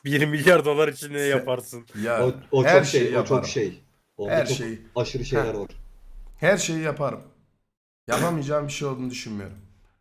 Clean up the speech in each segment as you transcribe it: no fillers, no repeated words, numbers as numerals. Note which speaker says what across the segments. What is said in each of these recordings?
Speaker 1: 1 milyar dolar için ne yaparsın?
Speaker 2: Ya
Speaker 3: O
Speaker 2: her
Speaker 3: çok şey,
Speaker 2: şeyi
Speaker 3: o çok
Speaker 2: yaparım.
Speaker 3: şey. Onda
Speaker 2: Her
Speaker 3: çok
Speaker 2: şeyi.
Speaker 3: aşırı şeyler
Speaker 2: Heh.
Speaker 3: var.
Speaker 2: Her şeyi yaparım. Yapamayacağım bir şey olduğunu düşünmüyorum.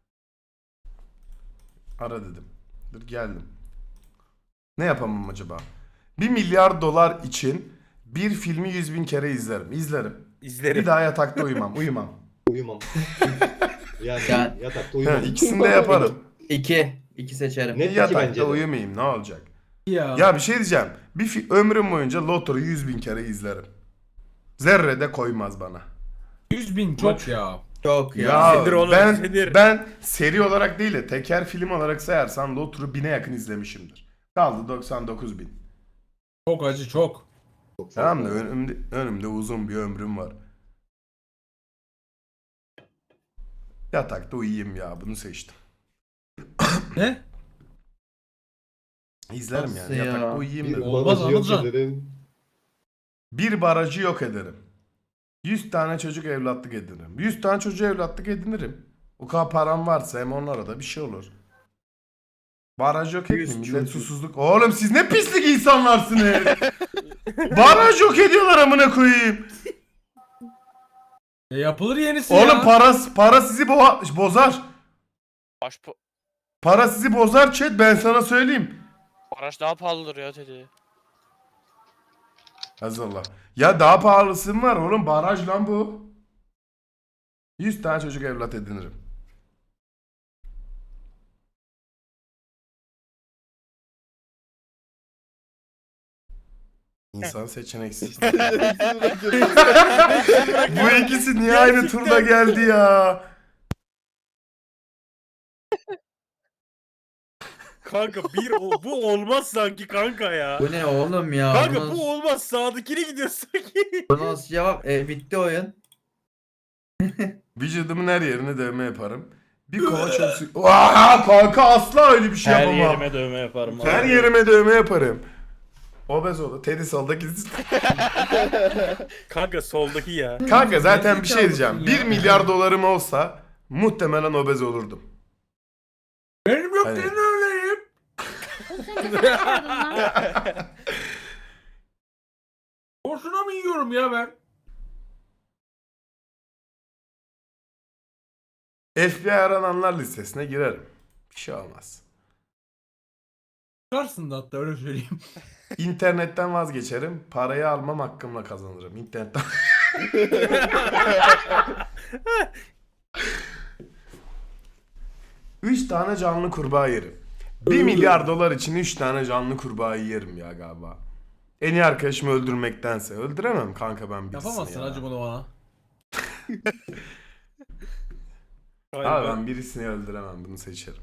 Speaker 2: Ara dedim. Dur geldim. Ne yapamam acaba? 1 milyar dolar için bir filmi 100.000 kere izlerim. İzlerim.
Speaker 1: İzlerim.
Speaker 2: Bir daha yatakta uyumam. Uyumam.
Speaker 3: Uyumam. Yani
Speaker 4: Ya-
Speaker 3: yatakta
Speaker 2: Ha,
Speaker 3: uyumam.
Speaker 2: ikisini de yaparım.
Speaker 4: İki seçerim.
Speaker 3: Net iki
Speaker 2: Yatakta
Speaker 3: bence de.
Speaker 2: uyumayayım ne olacak?
Speaker 5: Ya.
Speaker 2: Ya bir şey diyeceğim. Ömrüm boyunca Loto'yu 100.000 kere izlerim. Zerre de koymaz bana.
Speaker 5: 100.000 çok ya.
Speaker 4: Çok ya.
Speaker 2: Ya
Speaker 1: Sinir oğlum,
Speaker 2: ben
Speaker 1: sinir.
Speaker 2: ben seri olarak değil de teker film olarak sayarsan Lotur'u 1000'e yakın izlemişimdir. Kaldı 99.000.
Speaker 5: Çok acı çok.
Speaker 3: Çok
Speaker 2: Tamam da
Speaker 3: fazla.
Speaker 2: önümde uzun bir ömrüm var. Yatakta uyuyayım ya bunu seçtim.
Speaker 5: Ne?
Speaker 2: İzlerim
Speaker 4: Nasıl
Speaker 2: yani
Speaker 4: ya?
Speaker 2: yatakta uyuyayım
Speaker 3: Bir
Speaker 2: dedim.
Speaker 5: Olmaz
Speaker 3: barajı yok
Speaker 5: Anılcan.
Speaker 3: ederim.
Speaker 2: Bir barajı yok ederim. 100 tane çocuk evlatlık edinirim. 100 tane çocuğu evlatlık edinirim. O kadar param varsa hem onlara da bir şey olur. Baraj yok
Speaker 4: 100
Speaker 2: etmeyin. Millet
Speaker 4: çocuk.
Speaker 2: susuzluk. Oğlum siz ne pislik insanlarsınız. Baraj yok ediyorlar amına koyayım.
Speaker 5: Yapılır yenisi
Speaker 2: Oğlum
Speaker 5: ya.
Speaker 2: para sizi bozar.
Speaker 6: Baş
Speaker 2: Para sizi bozar chat ben sana söyleyeyim.
Speaker 6: Araç daha pahalıdır ya dedi.
Speaker 2: Azallah. Ya daha pahalısı mı var oğlum? Baraj lan bu. 100 tane çocuk evlat edinirim. İnsan seçeneksiz. Bu ikisi niye aynı turda geldi ya?
Speaker 1: Kanka bu olmaz sanki kanka ya.
Speaker 4: Bu ne oğlum ya?
Speaker 1: Kanka
Speaker 4: Bu
Speaker 1: bu olmaz, sağdakine gidiyor sanki.
Speaker 4: nasıl cevap? Bitti oyun.
Speaker 2: Vücudumun her yerine dövme yaparım. Bir kova çöp suyu... Aa, kanka asla öyle bir şey
Speaker 1: Her
Speaker 2: yapamam.
Speaker 1: yerime dövme yaparım.
Speaker 2: Her yerime dövme yaparım. Obez oldu. Teddy soldaki.
Speaker 1: Kanka soldaki ya.
Speaker 2: Kanka zaten bir şey
Speaker 5: Gerizekalı
Speaker 2: diyeceğim.
Speaker 5: ya.
Speaker 2: 1 milyar dolarım olsa muhtemelen obez olurdum.
Speaker 5: Benim yok
Speaker 2: Hani-
Speaker 5: senin öyleyim.
Speaker 7: Sen ne yapardın lan?
Speaker 5: Boşuna mı yiyorum ya ben?
Speaker 2: FBI arananlar listesine girerim. Bir şey olmaz.
Speaker 5: Çıkarsın da hatta öyle söyleyeyim.
Speaker 2: İnternetten vazgeçerim. Parayı almam hakkımla kazanırım. İnternetten. Üç tane canlı kurbağa yerim. 1 milyar dolar için 3 tane canlı kurbağa yerim ya galiba. En iyi arkadaşımı öldürmektense. Öldüremem kanka ben birisini
Speaker 5: Yapamazsın
Speaker 2: ya.
Speaker 5: hacı bunu bana.
Speaker 2: Abi ben birisini öldüremem, bunu seçerim.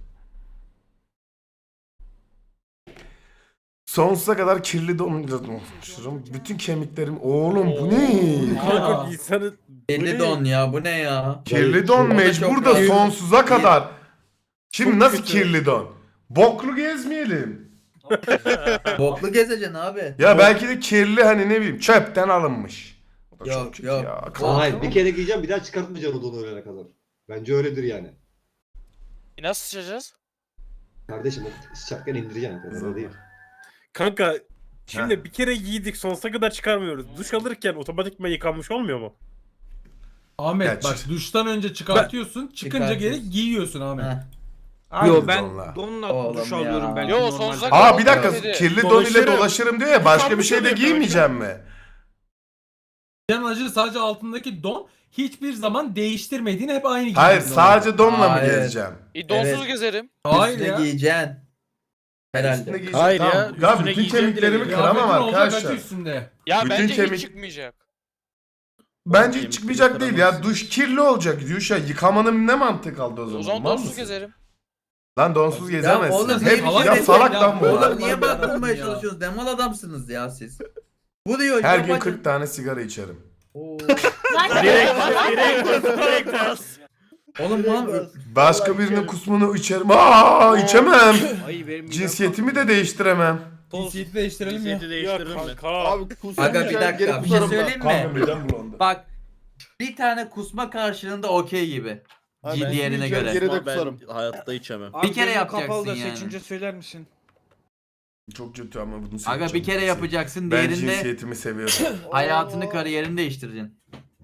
Speaker 2: Sonsuza kadar kirli donmuşum. Bütün kemiklerim... Oğlum bu ne?
Speaker 1: Kanka insanın...
Speaker 4: Belli don ya. Bu ne ya?
Speaker 2: Kirli don
Speaker 4: O da
Speaker 2: mecbur
Speaker 4: çok
Speaker 2: da
Speaker 4: rahat.
Speaker 2: sonsuza kadar. Şimdi
Speaker 1: Çok
Speaker 2: nasıl
Speaker 1: kötü.
Speaker 2: kirli don? Boklu gezmeyelim.
Speaker 4: Boklu gezeceksin abi.
Speaker 2: Ya belki de kirli hani ne bileyim çöpten alınmış. O da
Speaker 4: Yok,
Speaker 2: çok kötü
Speaker 4: yok.
Speaker 2: ya.
Speaker 3: Hayır bir kere giyeceğim bir daha çıkartmayacağım o donu ölene kadar. Bence öyledir yani.
Speaker 6: Nasıl sıçacağız?
Speaker 3: Kardeşim o sıçarken indireceksin. O kadar değil.
Speaker 1: Kanka şimdi
Speaker 2: Heh.
Speaker 1: bir kere giydik, sonsuza kadar çıkarmıyoruz. Duş alırken otomatikman yıkanmış olmuyor mu?
Speaker 5: Ahmet
Speaker 2: Ya
Speaker 5: bak
Speaker 2: çık-
Speaker 5: duştan önce çıkartıyorsun. Çıkınca geri
Speaker 4: Çıkartıyorsun.
Speaker 5: giyiyorsun Ahmet.
Speaker 4: Heh.
Speaker 2: Aynı
Speaker 8: Yo ben
Speaker 2: donla.
Speaker 8: donla
Speaker 4: Oğlum
Speaker 8: duş
Speaker 4: ya.
Speaker 8: alıyorum belki.
Speaker 6: Yo,
Speaker 8: normal.
Speaker 6: sonsuza kadar-
Speaker 2: Aa bir dakika
Speaker 6: Dedi.
Speaker 2: kirli don ile
Speaker 1: Dolaşırım.
Speaker 2: dolaşırım diyor ya başka bir
Speaker 1: Yıkanmış
Speaker 2: şey de
Speaker 1: oluyor
Speaker 2: giymeyeceğim mi?
Speaker 5: Can acı sadece altındaki don hiçbir zaman değiştirmediğin hep aynı
Speaker 2: Hayır
Speaker 5: giyiyorsun
Speaker 2: sadece donla mı
Speaker 4: Hayır.
Speaker 2: gezeceğim?
Speaker 6: Donsuz
Speaker 4: Evet.
Speaker 6: gezerim.
Speaker 5: Hayır
Speaker 4: Üstüne
Speaker 5: ya.
Speaker 4: giyeceksin. Herhalde.
Speaker 2: Üstüne giyeceğim.
Speaker 1: Hayır ya,
Speaker 2: Tamam.
Speaker 1: üstüne
Speaker 2: bütün
Speaker 1: giyeceğim
Speaker 2: kemiklerimi
Speaker 1: direkt.
Speaker 2: kıramam
Speaker 5: Kıyafetin olacak
Speaker 2: arkadaşlar.
Speaker 5: acı üstünde.
Speaker 6: Ya
Speaker 2: Bütün
Speaker 6: bence
Speaker 2: kemik-
Speaker 6: hiç çıkmayacak.
Speaker 2: Bence hiç
Speaker 1: Kemikleri
Speaker 2: çıkmayacak değil ya.
Speaker 1: kıramazsın.
Speaker 2: Duş kirli olacak. Duş ya yıkamanın ne mantığı kaldı o zaman?
Speaker 6: O zaman
Speaker 2: Mal
Speaker 6: donsuz
Speaker 2: mısın?
Speaker 6: gezerim.
Speaker 2: Lan donsuz gezemezsin.
Speaker 4: oğlum,
Speaker 2: Hep
Speaker 4: niye
Speaker 2: ya
Speaker 4: bir
Speaker 2: salak
Speaker 5: şey
Speaker 2: lan bu.
Speaker 5: ya?
Speaker 4: Oğlum niye
Speaker 5: Allah'ım
Speaker 4: bakmaya
Speaker 5: ya.
Speaker 4: çalışıyorsunuz? Demal adamsınız ya siz. Bu diyor
Speaker 2: Her gün
Speaker 4: yapacak-
Speaker 2: 40 tane sigara içerim.
Speaker 4: Oo.
Speaker 7: Lan
Speaker 1: Direkt.
Speaker 4: Oğlum lan
Speaker 2: Başka birinin kusmunu içerim. Aa içemem.
Speaker 8: Ay benim
Speaker 2: Cinsiyetimi de değiştiremem.
Speaker 5: Cinsiyeti değiştirelim ya.
Speaker 1: Cinsiyeti değiştiririm mi?
Speaker 8: Kanka.
Speaker 9: Abi kusura
Speaker 4: Aga bir dakika bir şey söyleyeyim mi?
Speaker 2: midem bulandı.
Speaker 4: Bak bir tane kusma karşılığında okey gibi.
Speaker 9: Abi ben
Speaker 4: Diğerine
Speaker 9: yiyeceğim,
Speaker 4: göre.
Speaker 9: geri de kusarım.
Speaker 1: Hayatta içemem.
Speaker 8: Abi
Speaker 4: Bir kere
Speaker 8: gözüm
Speaker 4: yapacaksın
Speaker 8: kapalı da
Speaker 4: yani.
Speaker 8: seçince söyler misin?
Speaker 2: Çok kötü ama bunu
Speaker 4: Aga
Speaker 2: seçeceğim.
Speaker 4: bir kere yapacaksın,
Speaker 2: Ben
Speaker 4: diğerinde
Speaker 2: cinsiyetimi seviyorum.
Speaker 4: hayatını kariyerini değiştireceksin.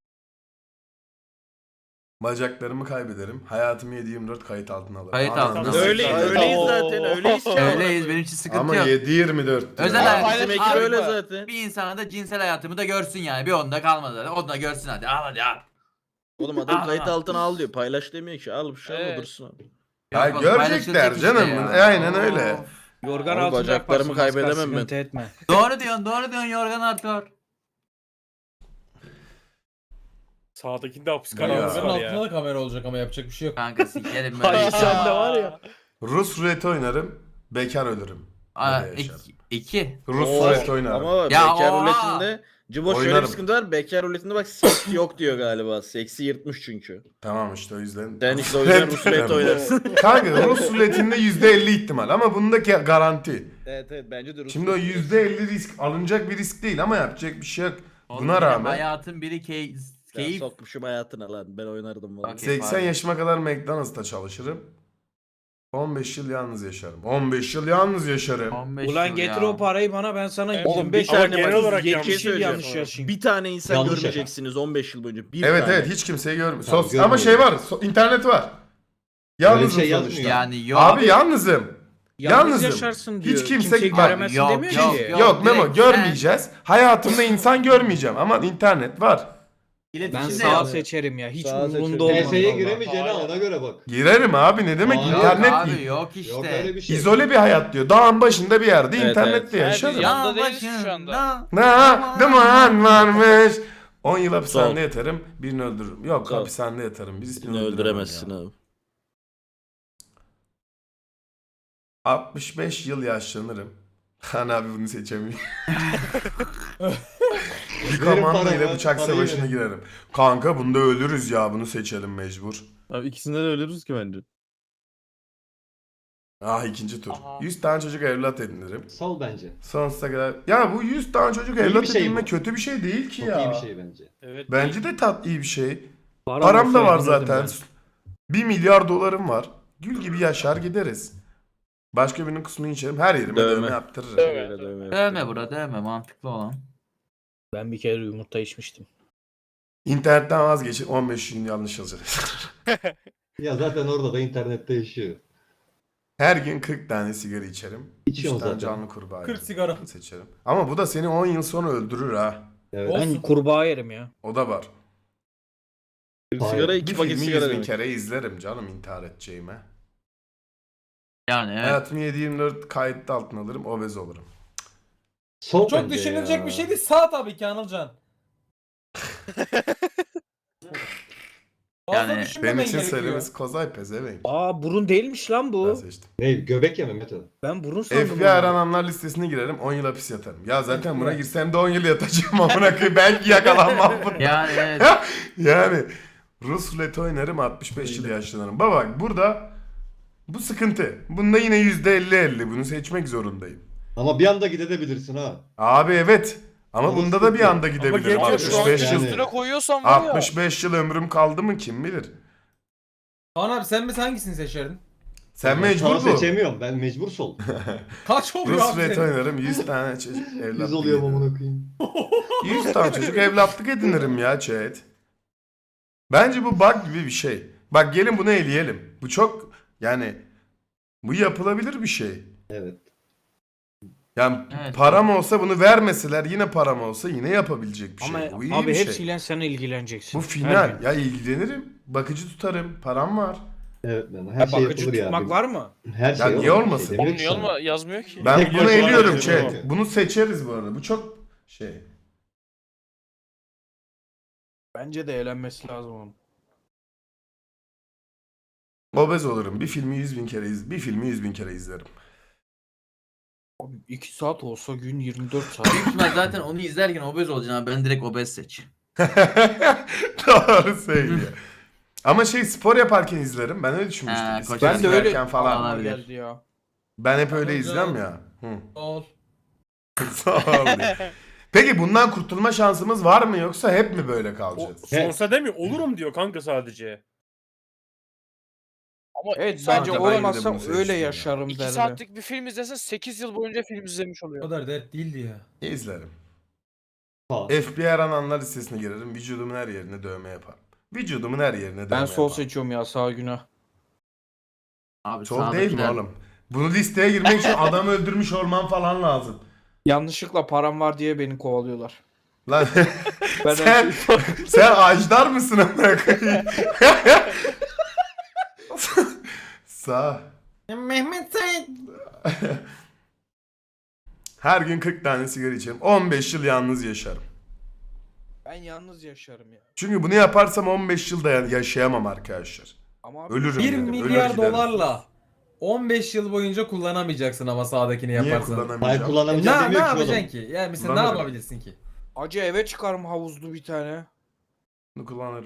Speaker 2: Bacaklarımı kaybederim. Hayatımı 7/24 kayıt altına alırım.
Speaker 4: Kayıt
Speaker 2: Anladın
Speaker 4: altına.
Speaker 2: mı?
Speaker 8: Öyleyiz zaten öyleyiz.
Speaker 4: Öyleyiz, benim için sıkıntı
Speaker 2: Ama
Speaker 4: yok.
Speaker 2: 7/24 diyor.
Speaker 4: Özel
Speaker 6: Ama
Speaker 4: hayat.
Speaker 6: paylaş-
Speaker 8: Bizim ekip
Speaker 6: Abi
Speaker 8: öyle
Speaker 6: bak.
Speaker 8: zaten.
Speaker 4: Bir insana da cinsel hayatımı da görsün yani. Bir onda kalmadı zaten. Onu da görsün hadi. Al hadi al.
Speaker 8: Oğlum adam
Speaker 4: Al,
Speaker 8: kayıt
Speaker 4: al.
Speaker 8: altına al diyor. Paylaş demiyor ki. Al bir şey
Speaker 6: Evet.
Speaker 8: evet. dursun abi.
Speaker 2: Ya
Speaker 4: Yok,
Speaker 2: görecekler
Speaker 4: paylaşılacak
Speaker 2: canım.
Speaker 4: işte ya.
Speaker 2: Aynen öyle.
Speaker 4: Of.
Speaker 9: Yorgan
Speaker 8: Abi
Speaker 9: altında
Speaker 8: bacaklarımı
Speaker 9: yaparsın,
Speaker 8: kaybedemem ben.
Speaker 9: sıkıntı etme.
Speaker 4: Doğru diyorsun yorgan artıyor.
Speaker 1: Sağdakinde hapis
Speaker 2: Ya.
Speaker 1: kararı
Speaker 5: Senin
Speaker 1: var
Speaker 5: altında
Speaker 1: ya.
Speaker 5: da kamera olacak ama yapacak bir şey yok.
Speaker 4: Kanka sikerim böyle
Speaker 1: Ay,
Speaker 4: bir şey.
Speaker 1: sen de
Speaker 8: var ya.
Speaker 2: Rus ruleti oynarım. Bekar ölürüm.
Speaker 4: Aa,
Speaker 2: Böyle yaşarım.
Speaker 4: iki.
Speaker 2: Rus
Speaker 8: Oo,
Speaker 2: ruleti oynarım.
Speaker 8: Ama
Speaker 4: Ya
Speaker 8: bekar
Speaker 4: oha!
Speaker 8: ruletinde Cibo şöyle
Speaker 2: Oynarım.
Speaker 8: bir sıkıntı var. Bekar ruletinde bak seks yok diyor galiba. Seksi yırtmış çünkü.
Speaker 2: Tamam işte o yüzden.
Speaker 8: Sen işte o yüzden Rus ruleti oynarsın.
Speaker 2: Kanka Rus ruletinde %50 ihtimal ama bundaki garanti.
Speaker 8: Evet bence de Rus
Speaker 2: Şimdi o
Speaker 8: ruleti.
Speaker 2: %50 risk alınacak bir risk değil ama yapacak bir şey yok.
Speaker 4: Oğlum
Speaker 2: Buna
Speaker 4: benim
Speaker 2: rağmen
Speaker 4: hayatın biri
Speaker 8: Ya
Speaker 4: keyif.
Speaker 8: sokmuşum hayatına lan. Ben oynardım valla.
Speaker 4: Okey.
Speaker 2: 80
Speaker 4: pardon.
Speaker 2: yaşıma kadar McDonald's'ta çalışırım. 15 yıl yalnız yaşarım. 15 yıl yalnız yaşarım.
Speaker 4: 15
Speaker 9: Ulan
Speaker 4: yıl
Speaker 9: getir
Speaker 4: ya.
Speaker 9: o parayı bana, ben sana
Speaker 8: Oğlum bir
Speaker 9: 25
Speaker 8: tane
Speaker 1: Ama genel
Speaker 8: bak,
Speaker 1: olarak yanlış
Speaker 9: 70 yıl
Speaker 8: söyleyeceğim.
Speaker 9: yanlış yaşayayım.
Speaker 8: Bir tane insan
Speaker 3: Yanlış
Speaker 8: görmeyeceksiniz 15 yıl boyunca. Bir
Speaker 2: Evet
Speaker 8: tane.
Speaker 2: evet hiç kimseyi görmüyor.
Speaker 3: Tamam,
Speaker 2: Ama şey var. İnternet var. Yalnızım
Speaker 3: şey
Speaker 2: sonuçta.
Speaker 3: yazmıyor.
Speaker 4: Yani yok.
Speaker 2: Abi yalnızım.
Speaker 9: Yalnız
Speaker 2: Yalnızım.
Speaker 9: yaşarsın diyor.
Speaker 2: Hiç kimse
Speaker 9: Kimseyi
Speaker 2: bak,
Speaker 9: göremezsin
Speaker 4: yok,
Speaker 9: demiyor
Speaker 4: yok,
Speaker 9: ki.
Speaker 4: yok.
Speaker 2: Yok Memo
Speaker 4: direkt
Speaker 2: görmeyeceğiz. Hayatımda insan görmeyeceğim ama internet var.
Speaker 9: Ben
Speaker 4: İletişim de
Speaker 9: sağ
Speaker 4: yok.
Speaker 9: seçerim ya. Hiç
Speaker 8: Sağa seçerim.
Speaker 9: umurumda olmaz.
Speaker 3: PS'ye
Speaker 9: vallahi.
Speaker 3: giremeyeceğine ona göre bak.
Speaker 2: Girerim abi ne demek
Speaker 3: Yok
Speaker 4: Yok
Speaker 2: internet
Speaker 4: abi yok işte.
Speaker 3: Yok öyle bir şey.
Speaker 2: İzole bir hayat diyor. Dağın başında bir yerde
Speaker 8: Evet,
Speaker 2: internette
Speaker 8: evet.
Speaker 2: yaşarım.
Speaker 6: Her
Speaker 4: Ya
Speaker 6: Yanında değiliz şu anda.
Speaker 4: başında.
Speaker 2: Ne duman varmış. 10 yıl hapishanede
Speaker 8: Sol.
Speaker 2: yatarım, birini öldürürüm. Yok
Speaker 8: Sol.
Speaker 2: hapishanede yatarım, birisini
Speaker 8: Seni öldüremezsin
Speaker 2: ya.
Speaker 8: abi.
Speaker 2: 65 yıl yaşlanırım. Han abi bunu seçemiyor. Bir
Speaker 3: Verin
Speaker 2: komando ile
Speaker 3: paramı,
Speaker 2: bıçak
Speaker 3: parayı
Speaker 2: savaşına
Speaker 3: verin.
Speaker 2: girerim. Kanka bunda ölürüz ya bunu seçelim mecbur.
Speaker 8: Abi ikisinden de ölürüz ki bence.
Speaker 2: Ah ikinci tur.
Speaker 6: Aha.
Speaker 2: 100 tane çocuk evlat edinirim.
Speaker 3: Sol bence.
Speaker 2: Sonsuza kadar. Ya bu 100 tane çocuk
Speaker 3: İyi
Speaker 2: evlat
Speaker 3: bir şey
Speaker 2: edinme
Speaker 3: bu.
Speaker 2: kötü bir şey değil ki
Speaker 3: Çok
Speaker 2: ya.
Speaker 3: iyi bir şey bence.
Speaker 1: Evet.
Speaker 2: Bence de iyi bir şey.
Speaker 9: Param
Speaker 2: Param
Speaker 9: olsa
Speaker 2: da var
Speaker 9: evlenirdim
Speaker 2: zaten. 1 milyar dolarım var. Gül gibi yaşar gideriz. Başka birinin kusmunu içerim. Her yerime
Speaker 8: Dövme.
Speaker 2: dövme yaptırırım.
Speaker 6: Dövme.
Speaker 8: Öyle dövme
Speaker 4: Dövme bura dövme mantıklı olan.
Speaker 9: Ben bir kere yumurta içmiştim.
Speaker 2: İnternetten vazgeçin 15 gün yanlış yazacağız.
Speaker 3: Ya zaten orada da internette yaşıyor.
Speaker 2: Her gün 40 tane sigara içerim. 3
Speaker 3: İçiyorsun
Speaker 2: tane
Speaker 3: zaten.
Speaker 2: canlı kurbağa
Speaker 5: 40
Speaker 2: yerim.
Speaker 5: sigara.
Speaker 2: Seçerim. Ama bu da seni 10 yıl sonra öldürür ha.
Speaker 3: Evet.
Speaker 5: Olsun.
Speaker 9: Ben kurbağa yerim ya.
Speaker 2: O da var.
Speaker 8: Sigara
Speaker 2: Bir
Speaker 8: 2 paket
Speaker 2: filmi
Speaker 8: sigara
Speaker 2: 100 bin
Speaker 8: demek.
Speaker 2: kere izlerim canım intihar edeceğime.
Speaker 4: Yani evet.
Speaker 2: Hayatımı 7/24 kayıtlı altına alırım, obez olurum.
Speaker 3: Sol
Speaker 5: Çok
Speaker 3: bence
Speaker 5: düşünülecek
Speaker 3: ya.
Speaker 5: bir şey değil. Sağ tabii ki Anılcan. Fazla
Speaker 4: Yani
Speaker 5: düşünmemen
Speaker 2: Benim için
Speaker 5: gerekiyor.
Speaker 2: söylemesi kozay pezevenk.
Speaker 9: Aa, burun değilmiş lan
Speaker 2: Ben
Speaker 9: bu.
Speaker 2: seçtim.
Speaker 3: Ne göbek yeme Mete.
Speaker 9: Ben burun sandım.
Speaker 2: FBI
Speaker 9: onu.
Speaker 2: arananlar listesine girerim, 10 yıl hapis yatarım. Ya zaten buna girsem de 10 yıl yatacağım amına koyayım. Belki yakalanmam buna.
Speaker 4: Yani evet.
Speaker 2: Yani Rus ruleti oynarım 65 yıl yaşlanırım. Baba burada bu sıkıntı. Bunda yine %50-50 bunu seçmek zorundayım.
Speaker 3: Ama bir anda gidebilirsin ha.
Speaker 2: Abi evet. Ama
Speaker 3: Ama
Speaker 2: bunda da bir
Speaker 3: sıkıntı.
Speaker 2: anda gidebilirim.
Speaker 1: geçiyor
Speaker 6: Abi
Speaker 1: şu
Speaker 6: şu an
Speaker 2: 65 yıl.
Speaker 3: yani.
Speaker 6: üstüne koyuyorsan var ya.
Speaker 2: 65 yıl ömrüm kaldı mı kim bilir.
Speaker 5: Kaan abi sen mesela hangisini seçerdin?
Speaker 2: Sen
Speaker 3: Sağ
Speaker 2: mecbur bu.
Speaker 3: seçemiyorum. Ben mecbur sol.
Speaker 5: Kaç oluyor
Speaker 2: Rus
Speaker 5: abi
Speaker 2: ruleti
Speaker 5: senin?
Speaker 2: oynarım 100 tane çocuk evlatlık
Speaker 3: Biz oluyorum
Speaker 2: edinirim.
Speaker 3: amına koyayım.
Speaker 2: 100 tane çocuk evlatlık edinirim ya chat. Bence bu bug gibi bir şey. Bak gelin bunu eleyelim. Bu çok yani bu yapılabilir bir şey.
Speaker 3: Evet.
Speaker 2: Yani
Speaker 4: Evet.
Speaker 2: param olsa bunu vermeseler yine param olsa yine yapabilecek bir şey.
Speaker 9: Ama
Speaker 2: Bu iyi
Speaker 9: abi
Speaker 2: bir şey.
Speaker 9: hepsiyle sen ilgileneceksin.
Speaker 2: Bu
Speaker 9: Her
Speaker 2: final.
Speaker 9: gün.
Speaker 2: Ya ilgilenirim. Bakıcı tutarım. Param var.
Speaker 3: Evet lan. Her
Speaker 9: Ha,
Speaker 3: şey
Speaker 9: bakıcı
Speaker 3: yapılır ya.
Speaker 9: tutmak var mı?
Speaker 3: Her şey
Speaker 2: Ya niye
Speaker 3: olur. Bir
Speaker 2: olmasın?
Speaker 3: şey
Speaker 6: Oğlum
Speaker 3: demiyor
Speaker 6: niye
Speaker 3: ki sana.
Speaker 6: olma yazmıyor ki.
Speaker 2: Ben
Speaker 1: Tek
Speaker 2: bunu
Speaker 1: başına
Speaker 2: eliyorum
Speaker 1: bakıcı
Speaker 2: chat.
Speaker 1: bu.
Speaker 2: Bunu seçeriz bu arada. Bu çok şey.
Speaker 9: Bence de eğlenmesi lazım onun.
Speaker 2: Obez olurum. Bir filmi 100.000 kere bir filmi 100.000 kere izlerim.
Speaker 9: Abi 2 saat olsa gün 24 saat.
Speaker 4: Büyük ihtimal zaten onu izlerken obez olacaksın abi. Ben direkt obez seç.
Speaker 2: Doğru söylüyor. Ama şey spor yaparken izlerim. Ben öyle düşünmüştüm.
Speaker 4: Ha,
Speaker 2: Bisiklet
Speaker 9: ben de öyle
Speaker 2: sürerken falan.
Speaker 4: Aa,
Speaker 9: aklıma
Speaker 4: olabilir.
Speaker 9: geldi ya.
Speaker 2: Ben hep öyle
Speaker 5: Anladım.
Speaker 2: izlem ya. Hı.
Speaker 5: Ol.
Speaker 2: Sağ ol. Peki bundan kurtulma şansımız var mı yoksa hep mi böyle
Speaker 1: O,
Speaker 2: kalacağız?
Speaker 1: sonsa demiyor. Olurum diyor kanka sadece.
Speaker 6: Ama
Speaker 9: Evet
Speaker 6: iki
Speaker 9: bence
Speaker 2: ben de
Speaker 9: olmazsa
Speaker 2: bunu seçtim
Speaker 9: öyle
Speaker 2: ya.
Speaker 9: yaşarım
Speaker 6: 2
Speaker 9: derdim.
Speaker 6: saatlik bir film izlesen 8 yıl boyunca film izlemiş
Speaker 5: O
Speaker 6: oluyor.
Speaker 5: kadar dert değildi ya.
Speaker 2: İzlerim.
Speaker 3: Ha.
Speaker 2: FBI arananlar listesine girerim. Vücudumun her yerine dövme yaparım. Vücudumun her yerine dövme
Speaker 9: Ben sol
Speaker 2: yaparım.
Speaker 9: seçiyorum ya sağ günah.
Speaker 4: Abi
Speaker 2: Sol değil mi
Speaker 4: sağdakiler-
Speaker 2: oğlum? Bunu listeye girmek için adam öldürmüş olman falan lazım.
Speaker 9: Yanlışlıkla param var diye beni kovalıyorlar.
Speaker 2: Lan
Speaker 9: Ben
Speaker 2: sen, sen ajdar mısın amına koyayım? Sağ.
Speaker 5: Mehmet Sait.
Speaker 2: Her gün 40 tane sigara içerim. 15 yıl yalnız yaşarım.
Speaker 9: Ben yalnız yaşarım ya.
Speaker 2: Çünkü bunu yaparsam 15 yılda yaşayamam arkadaşlar.
Speaker 9: Ama abi,
Speaker 2: Ölürüm
Speaker 5: 1
Speaker 2: yani.
Speaker 5: milyar
Speaker 2: Ölür giderim.
Speaker 5: dolarla 15 yıl boyunca kullanamayacaksın ama sağdakini
Speaker 2: Niye
Speaker 5: yaparsan.
Speaker 3: Hayır
Speaker 2: kullanamayacağım?
Speaker 3: kullanamayacağım
Speaker 5: Ne
Speaker 3: demiyor ki
Speaker 5: yapacaksın
Speaker 3: oğlum.
Speaker 5: ki? Yani mesela ne
Speaker 2: Kullanırım.
Speaker 5: yapabilirsin ki?
Speaker 9: acı eve çıkarım havuzlu bir tane.
Speaker 2: Bunu kullanırım.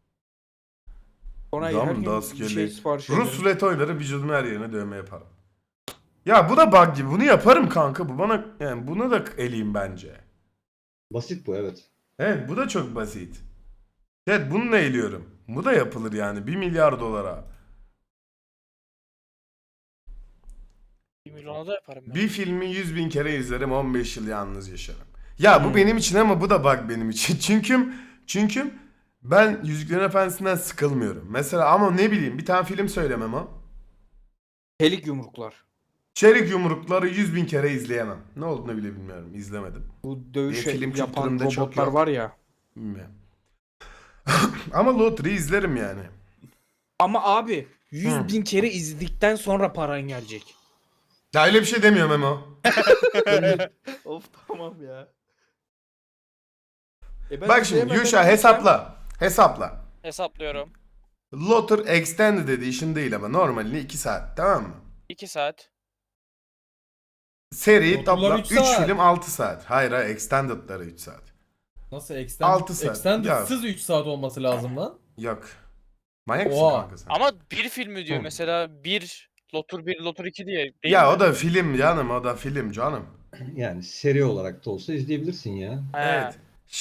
Speaker 9: Sonra
Speaker 2: Dam
Speaker 9: her gün
Speaker 2: da
Speaker 9: bir
Speaker 2: askerliği.
Speaker 9: şey sipariş
Speaker 2: Rus
Speaker 9: ederim.
Speaker 2: rulet oynarım, vücudumun her yerine dövme yaparım. Ya bu da bug gibi. Bunu yaparım kanka. Bu bana yani buna da eleyim bence.
Speaker 3: Basit bu, evet.
Speaker 2: Evet, bu da çok basit. Evet, bununla eğiliyorum. Bu da yapılır yani 1 milyar dolara.
Speaker 6: 1 milyona da yaparım ben.
Speaker 2: Bir filmi 100.000 kere izlerim, 15 yıl yalnız yaşarım. Ya bu benim için ama bu da bug benim için. Çünkü ben Yüzüklerin Efendisi'nden sıkılmıyorum. Mesela ama ne bileyim bir tane film söylemem o.
Speaker 9: Çelik yumruklar.
Speaker 2: Çelik Yumrukları 100.000 kere izleyemem. Ne olduğunu bile bilmiyorum. İzlemedim.
Speaker 9: Bu dövüş
Speaker 2: film
Speaker 9: yapan
Speaker 2: kültürümde çok
Speaker 9: robotlar
Speaker 2: yok.
Speaker 9: var ya.
Speaker 2: Bilmiyorum. Ama Lottery izlerim yani.
Speaker 9: Ama abi 100.000 kere izledikten sonra paran gelecek.
Speaker 2: Ya öyle bir şey demiyorum Memo.
Speaker 8: Of tamam ya.
Speaker 9: Ben
Speaker 2: Bak şimdi
Speaker 9: izleyemem,
Speaker 2: Yuşa
Speaker 9: ben
Speaker 2: hesapla. Hesapla.
Speaker 6: Hesaplıyorum.
Speaker 2: Lottery Extended Edition değil ama normalini 2 saat, tamam mı?
Speaker 6: 2 saat.
Speaker 2: Seri
Speaker 5: Lotter'lar
Speaker 2: toplam
Speaker 5: 3
Speaker 2: 3
Speaker 5: saat.
Speaker 2: film 6 saat. Hayır Extended'ları 3 saat.
Speaker 5: Nasıl
Speaker 2: 6 saat.
Speaker 5: Extended'sız 3 saat olması lazım lan.
Speaker 2: Yok. Manyak mısın
Speaker 5: Oha.
Speaker 2: kanka sen?
Speaker 6: Ama bir filmi diyor
Speaker 2: Hı.
Speaker 6: mesela 1 Lotur 1 Lotur 2 diye. Değil
Speaker 2: Ya
Speaker 6: mi?
Speaker 2: o da film canım, o da film canım.
Speaker 3: Yani seri olarak da olsa izleyebilirsin ya.
Speaker 6: He.
Speaker 2: Evet.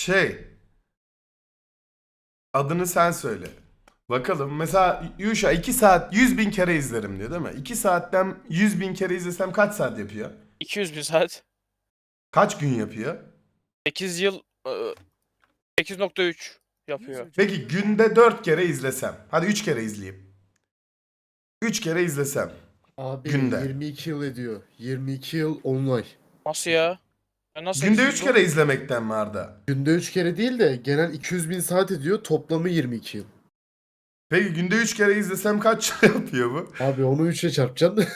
Speaker 2: Adını sen söyle. Bakalım mesela Yuşa 2 saat 100.000 kere izlerim diyor değil mi? 2 saatten 100.000 kere izlesem kaç saat yapıyor?
Speaker 6: 200 bin saat.
Speaker 2: Kaç gün yapıyor?
Speaker 6: 8 yıl 8.3 yapıyor.
Speaker 2: Peki günde 4 kere izlesem. Hadi 3 kere izleyeyim. 3 kere izlesem.
Speaker 10: Abi
Speaker 2: Günde.
Speaker 10: 22 yıl ediyor. 22 yıl 10 ay.
Speaker 6: Nasıl ya? Ya nasıl
Speaker 2: Günde 3
Speaker 6: 800
Speaker 2: kere izlemekten mi Arda?
Speaker 10: Günde 3 kere değil de genel 200 bin saat ediyor. Toplamı 22 yıl.
Speaker 2: Peki günde 3 kere izlesem kaç yapıyor bu?
Speaker 10: Abi onu 3'e çarpacaksın.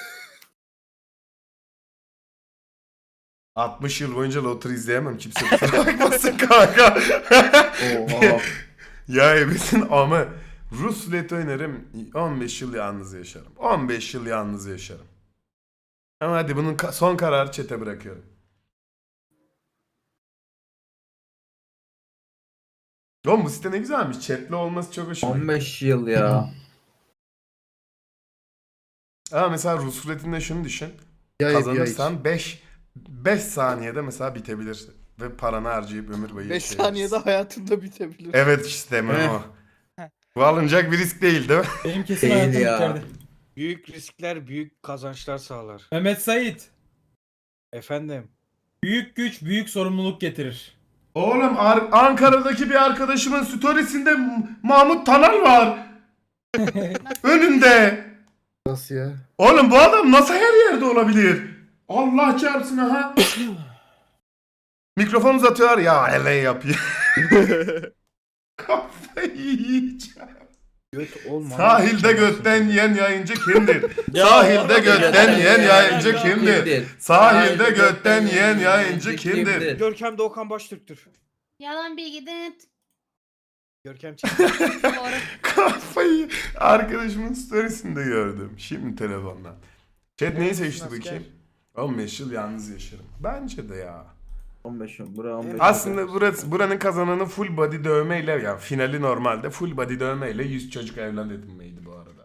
Speaker 2: 60 yıl boyunca Lottery izleyemem. Kimse kusura bakmasın kanka.
Speaker 10: Oha.
Speaker 2: Ya ebesin ama Rus rulet oynarım 15 yıl yalnız yaşarım. 15 yıl yalnız yaşarım. Ama hadi bunun son kararı çete bırakıyorum. Oğlum bu site ne güzelmiş. Chat'li olması çok hoşuma gitti.
Speaker 4: 15 yıl ya.
Speaker 2: Ama mesela Rus ruletinde şunu düşün.
Speaker 10: Ya
Speaker 2: Kazanırsan 5 saniyede mesela bitebilir. Ve paranı harcayıp ömür boyu
Speaker 8: 5
Speaker 2: yaşayabilirsin.
Speaker 8: saniyede hayatında bitebilir.
Speaker 2: Evet işte Memo. Bu alınacak bir risk değil mi?
Speaker 5: Benim kesin
Speaker 4: Değil
Speaker 5: hayatım
Speaker 4: ya.
Speaker 5: biterdi.
Speaker 9: Büyük riskler büyük kazançlar sağlar.
Speaker 5: Mehmet Sait.
Speaker 9: Efendim.
Speaker 5: Büyük güç büyük sorumluluk getirir.
Speaker 2: Oğlum Ankara'daki bir arkadaşımın storiesinde Mahmut Tanal var. Önünde.
Speaker 10: Nasıl ya?
Speaker 2: Oğlum bu adam nasıl her yerde olabilir? Allah çarpsın ha. Mikrofon uzatıyorlar ya ele yapıyor. Kafayı yiyeceğim.
Speaker 9: Göt olma.
Speaker 2: Sahilde götten yiyen yayıncı kimdir? Sahilde götten yiyen yayıncı kimdir? Sahilde götten yiyen yayıncı kimdir?
Speaker 9: Görkem Doğukan Baştürk'tür.
Speaker 7: Yalan bilgi dıt.
Speaker 9: Görkem çek.
Speaker 7: Doğru.
Speaker 2: Kafayı arkadaşımın storiesinde gördüm. Şimdi telefondan. Chat neyi seçti
Speaker 8: asker.
Speaker 2: bakayım? 15 yıl yalnız yaşarım. Bence de ya.
Speaker 4: 15 yıl. Bura 15
Speaker 2: Aslında buranın kazananı full body dövmeyle ya finali normalde full body dövmeyle 100 çocuk evlat edinmeydi bu arada.